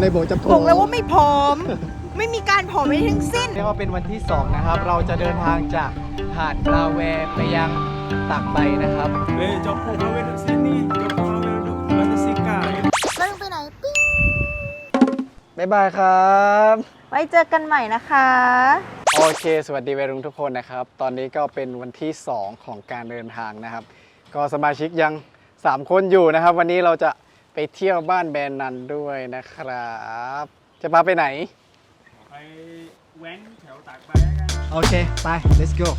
เลยบอกจะผอมบอกแล้วว่าไม่ผอม ไม่มีการผอมไม่ทั้งสิ้นเรียกว่าเป็นวันที่2นะครับเราจะเดินทางจากหาดปลาแวไปยังตากใบนะครับ Jom pula duduk sini. Jom pula duduk Batu Sikar. เราไปไหนปิ้งบ๊ายบายครับไว้เจอกันใหม่นะคะโอเค สวัสดีวัยรุ่นทุกคนนะครับ ตอนนี้ก็เป็นวันที่2ของการเดินทางนะครับ ก็สมาชิกยัง3คนอยู่นะครับ วันนี้เราจะไปเที่ยวบ้านแบรนด์นันด้วยนะครับ จะพาไปไหนไปแว้นแถวตากใบแล้วกันโอเค ไป let's go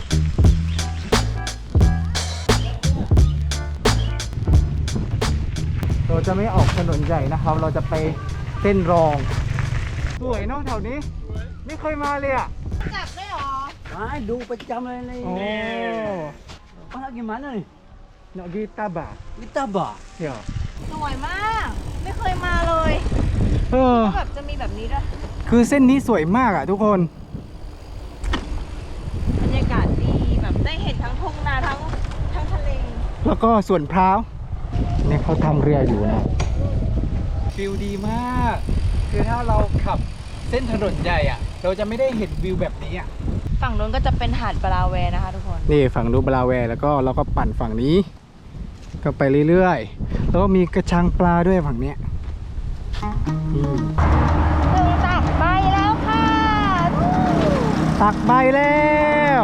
เราจะไม่ออกถนนใหญ่นะครับ เราจะไปเส้นรอง สวยเนาะแถวนี้ ไม่เคยมาเลยอ่ะจับได้หรอดูประจำเลยในโอ้ Orang gimana nih? เนาะกีตาบา Kita bah. เดี๋ยวสวยมาก ไม่เคยมาเลยเออแบบจะมีแบบนี้ด้วยคือเส้นนี้สวยมากอ่ะทุกคนบรรยากาศดีแบบได้เห็นทั้งทุ่งนาทั้งทะเลแล้วก็ส่วนพร้าวเนี่ยเขาทำเรืออยู่นะฟิลดีมาก คือถ้าเราขับเส้นถนนใหญ่อ่ะ เราจะไม่ได้เห็นวิวแบบนี้อ่ะฝั่งนู้นก็จะเป็นหาดปลาแวนะคะทุกคนนี่ฝั่งนูนบลาแวร์แล้วก็เราก็ปั่นฝั่งนี้ ก็ไปเรื่อยๆ แล้วก็มีกระชังปลาด้วยฝั่งเนี้ยอืมถึงตักใบแล้วค่ะตักใบแล้ว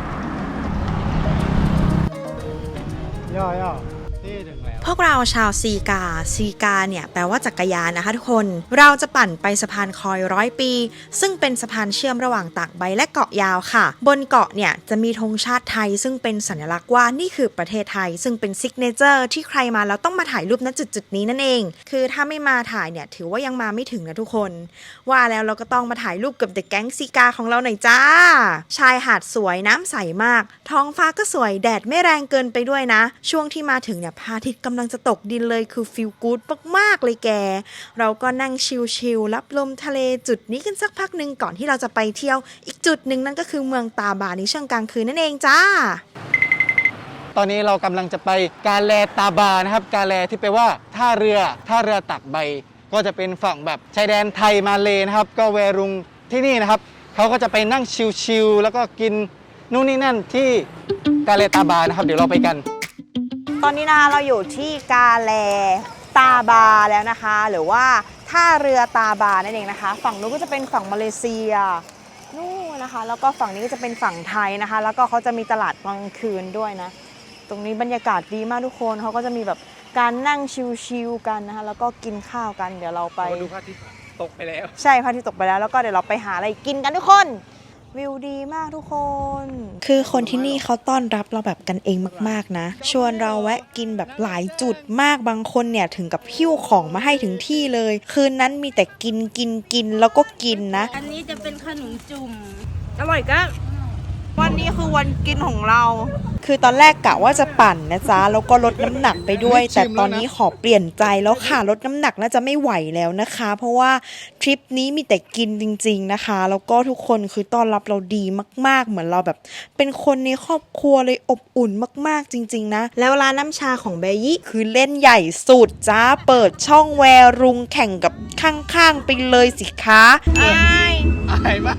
ย่อนี่ถึงแล้วพวกเราชาวซีกาเนี่ยแปลว่าจักรยานนะคะทุกคน เราจะปั่นไปสะพานคอย100 ปี ซึ่งเป็นสะพานเชื่อมระหว่างตากใบและเกาะยาวค่ะ บนเกาะเนี่ยจะมีธงชาติไทยซึ่งเป็นสัญลักษณ์ว่านี่คือประเทศไทย ซึ่งเป็นซิกเนเจอร์ที่ใครมาแล้วต้องมาถ่ายรูปณจุดนี้นั่นเอง คือถ้าไม่มาถ่ายเนี่ยถือว่ายังมาไม่ถึงนะทุกคน ว่าแล้วเราก็ต้องมาถ่ายรูปกับเด็กแก๊งซีกาของเราหน่อยจ้า ชายหาดสวยน้ำใสมาก ท้องฟ้าก็สวยแดดไม่แรงเกินไปด้วยนะ ช่วงที่มาถึงเนี่ยพระอาทิตย์กำลังจะตกดินเลยคือฟีลกู๊ดมากๆเลยแก เราก็นั่งชิลๆรับลมทะเลจุดนี้กันสักพักหนึ่งก่อนที่เราจะไปเที่ยวอีกจุดหนึ่งนั่นก็คือเมืองตาบาในช่วงกลางคืนนั่นเองจ้าตอนนี้เรากำลังจะไปกาแลตาบานะครับ กาแลที่แปลว่าท่าเรือตักใบ ก็จะเป็นฝั่งแบบชายแดนไทยมาเลนะครับ ก็แวรุงที่นี่นะครับเขาก็จะไปนั่งชิลๆแล้วก็กินนู่นนี่นั่นที่กาแลตาบานะครับ เดี๋ยวเราไปกันตอนนี้นะคะเราอยู่ที่กาแลตาบาแล้วนะคะ หรือว่าท่าเรือตาบานั่นเองนะคะ ฝั่งนู้นก็จะเป็นฝั่งมาเลเซียนู่นนะคะ แล้วก็ฝั่งนี้ก็จะเป็นฝั่งไทยนะคะ แล้วก็เขาจะมีตลาดกลางคืนด้วยนะ ตรงนี้บรรยากาศดีมากทุกคนเขาก็จะมีแบบการนั่งชิลๆกันนะคะ แล้วก็กินข้าวกันเดี๋ยวเราไปดูพระอาทิตย์ตกไปแล้วใช่พระอาทิตย์ตกไปแล้วแล้วก็เดี๋ยวเราไปหาอะไรกินกันทุกคนวิวดีมากทุกคนคือคนที่นี่เขาต้อนรับเราแบบกันเองมากๆนะ ชวนเราแวะกินแบบหลายจุดมากบางคนเนี่ยถึงกับหิ้วของมาให้ถึงที่เลย คืนนั้นมีแต่กินแล้วก็กินนะอันนี้จะเป็นขนมจุ่ม อร่อยก็วันนี้คือวันกินของเราคือตอนแรกกะว่าจะปั่นนะจ๊ะแล้วก็ลดน้ำหนักไปด้วย แต่ตอนนี้ขอเปลี่ยนใจแล้วค่ะลดน้ำหนักน่าจะไม่ไหวแล้วนะคะ เพราะว่าทริปนี้มีแต่กินจริงๆนะคะ แล้วก็ทุกคนคือต้อนรับเราดีมากๆเหมือนเราแบบเป็นคนในครอบครัวเลยอบอุ่นมากๆจริงๆนะแล้วร้านน้ำชาของเบยี่คือเล่นใหญ่สุดจ้าเปิดช่องแวรุงแข่งกับข้างๆไปเลยสิคะอายมาก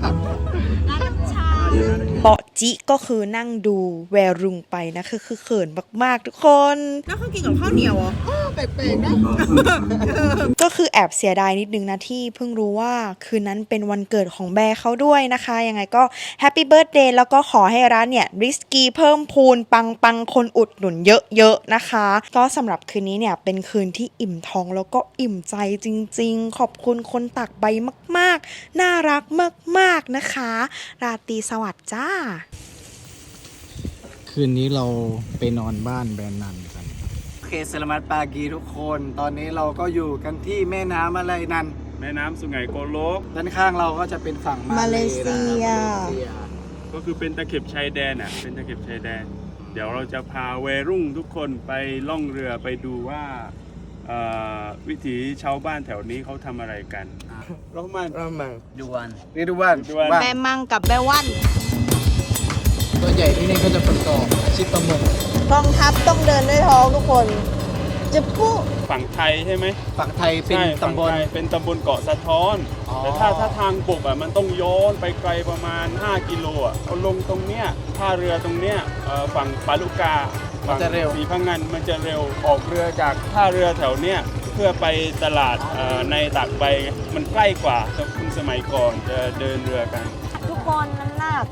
เปาะจิก็คือนั่งดูแวรุงไปนะคือเขินมากๆทุกคนแล้วเขากินกับข้าวเหนียวเหรอแปลกๆนะก็คือแอบเสียดายนิดนึงนะที่เพิ่งรู้ว่าคืนนั้นเป็นวันเกิดของแบร์เขาด้วยนะคะยังไงก็แฮปปี้เบิร์ธเดย์แล้วก็ขอให้ร้านเนี่ยริสกี้เพิ่มพูนปังคนอุดหนุนเยอะๆนะคะก็สำหรับคืนนี้เนี่ยเป็นคืนที่อิ่มท้องแล้วก็อิ่มใจจริงๆขอบคุณคนตักใบมากๆน่ารักมากๆนะคะราตรีสวัสดิ์จ้าคืนนี้เราไปนอนบ้านแบรนด์นันกันโอเคสลามัดปากีทุกคน ตอนนี้เราก็อยู่กันที่แม่น้ำอะไรนันแม่น้ำสุไหงโกลกด้านข้างเราก็จะเป็นฝั่งมาเลเซียก็คือเป็นตะเข็บชายแดนอ่ะ เป็นตะเข็บชายแดน เดี๋ยวเราจะพาวัยรุ่งทุกคนไปล่องเรือไปดูว่าวิถีชาวบ้านแถวนี้เขาทำอะไรกันรอมัน Duan. นี่ดูบ้านแม่มังกับแม่วันตัวใหญ่ที่นี่ก็จะประกอบอาชีพประมงกองทัพต้องเดินด้วยท้องทุกคนฝั่งไทยใช่ไหมฝั่งไทยเป็นใช่ตำบลฝั่งไทยเป็นตำบลเกาะสะท้อนอ๋อแต่ถ้าทางบกอ่ะมันต้องย้อนไปไกลประมาณ 5 กิโลอ่ะเอาลงตรงเนี้ยท่าเรือตรงเนี้ยฝั่งปาลุกามันจะเร็วสีพังงานมันจะเร็วออกเรือจากท่าเรือแถวเนี้ยเพื่อไปตลาดในตากใบมันใกล้กว่าคุณสมัยก่อนจะเดินเรือกันทุกคนน้ำหนัก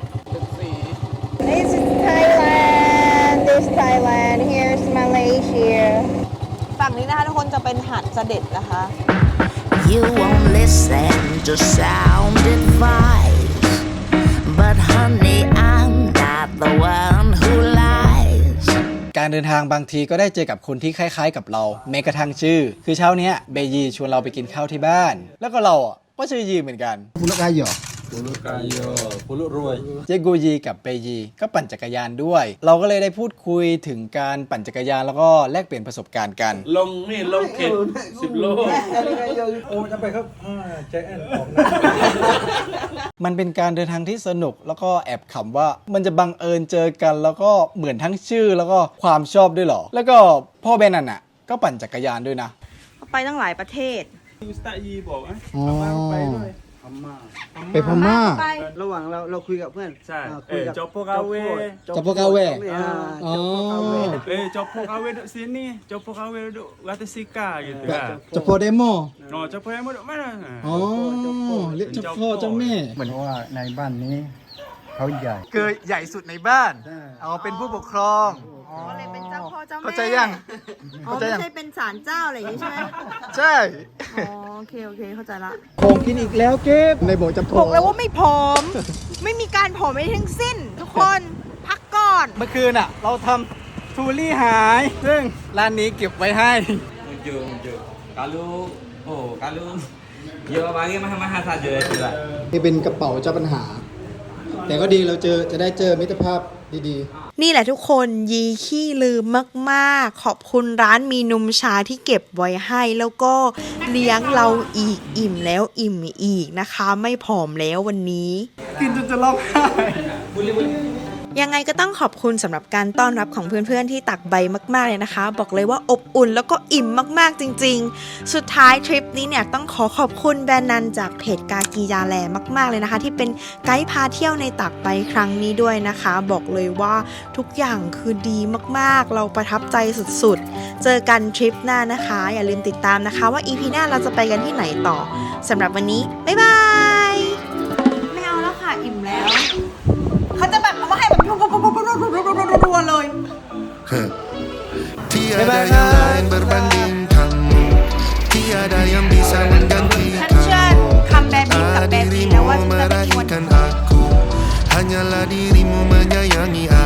This is Thailand This Thailand Here's Malaysia ฝั่งนี้นะคะทุกคนจะเป็นหาดเสด็จนะคะ You won't listen to sound advice, but honey, I'm not the one who lies. การเดินทางบางทีก็ได้เจอกับคนที่คล้ายๆกับเราแม้กระทั่งชื่อ คือเช้าเนี้ยเบยีชวนเราไปกินข้าวที่บ้าน แล้วก็เราอ่ะก็ชื่อยีเหมือนกันปุลุกายอปุลุรวยเจโกยีกับเบยีก็ปั่นจักรยานด้วย เราก็เลยได้พูดคุยถึงการปั่นจักรยานแล้วก็แลกเปลี่ยนประสบการณ์กันลงเข็ด10 โลโอ้จะไปครับใจแอนออกนะมันเป็นการเดินทางที่สนุกแล้วก็แอบขำว่ามันจะบังเอิญเจอกันแล้วก็เหมือนทั้งชื่อแล้วก็ความชอบด้วยเหรอ แล้วก็พ่อแบนนั่นอ่ะก็ปั่นจักรยานด้วยนะไปตั้งหลายประเทศสตายีบอกไหมอ๋อไปด้วยพม่าไปพม่าระหว่างเราคุยกับเพื่อนใช่คุยกับจอปโปกาเวจอปโปกาเวจอปโปกาเว Copo KW duduk sini, Copo KW duduk Rata Sika gitu kan. จอปโปเดโม No, Copo yang duduk mana? อ๋อเรียกเจ้าพ่อเจ้าแม่เหมือนว่าในบ้านนี้เขาใหญ่คือใหญ่สุดในบ้านใช่เอาเป็นผู้ปกครองก็เลยเป็นเจ้าพ่อเจ้าแม่เข้าใจยังอ๋อเข้าใจไม่ยังใช่เป็นศาลเจ้าอะไรอย่างนี้ใช่ไหมใช่อ๋อโอเคเข้าใจละของกินอีกแล้วเก็บในบอกจะบอกแล้วว่าไม่ผอม ไม่มีการผอมไม่ทั้งสิ้น ทุกคนพักก่อนเมื่อคืนอ่ะ เราทำทูรี่หาย ซึ่งร้านนี้เก็บไว้ให้ Muncul. Kalau dia bagi mahal-mahal saja itulah. นี่เป็นกระเป๋าเจ้าปัญหา แต่ก็ดีเราจะได้เจอมิตรภาพดีๆนี่แหละทุกคนยีขี้ลืมมากๆ ขอบคุณร้านมีนมชาที่เก็บไว้ให้แล้วก็เลี้ยงเราอีกอิ่มแล้วอิ่มอีกนะคะ ไม่ผอมแล้ววันนี้กินจนจะร้องไห้ยังไงก็ต้องขอบคุณสำหรับการต้อนรับของเพื่อนๆที่ตักใบมากๆเลยนะคะ บอกเลยว่าอบอุ่นแล้วก็อิ่มมากๆจริงๆ สุดท้ายทริปนี้เนี่ยต้องขอบคุณแบรนด์นันจากเพจกากียาแลมากๆเลยนะคะ ที่เป็นไกด์พาเที่ยวในตักใบครั้งนี้ด้วยนะคะ บอกเลยว่าทุกอย่างคือดีมากๆเราประทับใจสุดๆเจอกันทริปหน้านะคะ อย่าลืมติดตามนะคะว่า EP หน้าเราจะไปกันที่ไหนต่อสำหรับวันนี้บ๊ายบายไม่เอาแล้วค่ะอิ่มแล้วเขาจะแบบเอามาให้แบบรัวๆเลย Tiada yang lain berbanding kamu, tiada yang bisa mengganti ฉันเชิญคำแบบนี้กับแบบนี้แล้วว่าฉันจะไม่มีวัน aku, hanyalah dirimu menyayangi aku.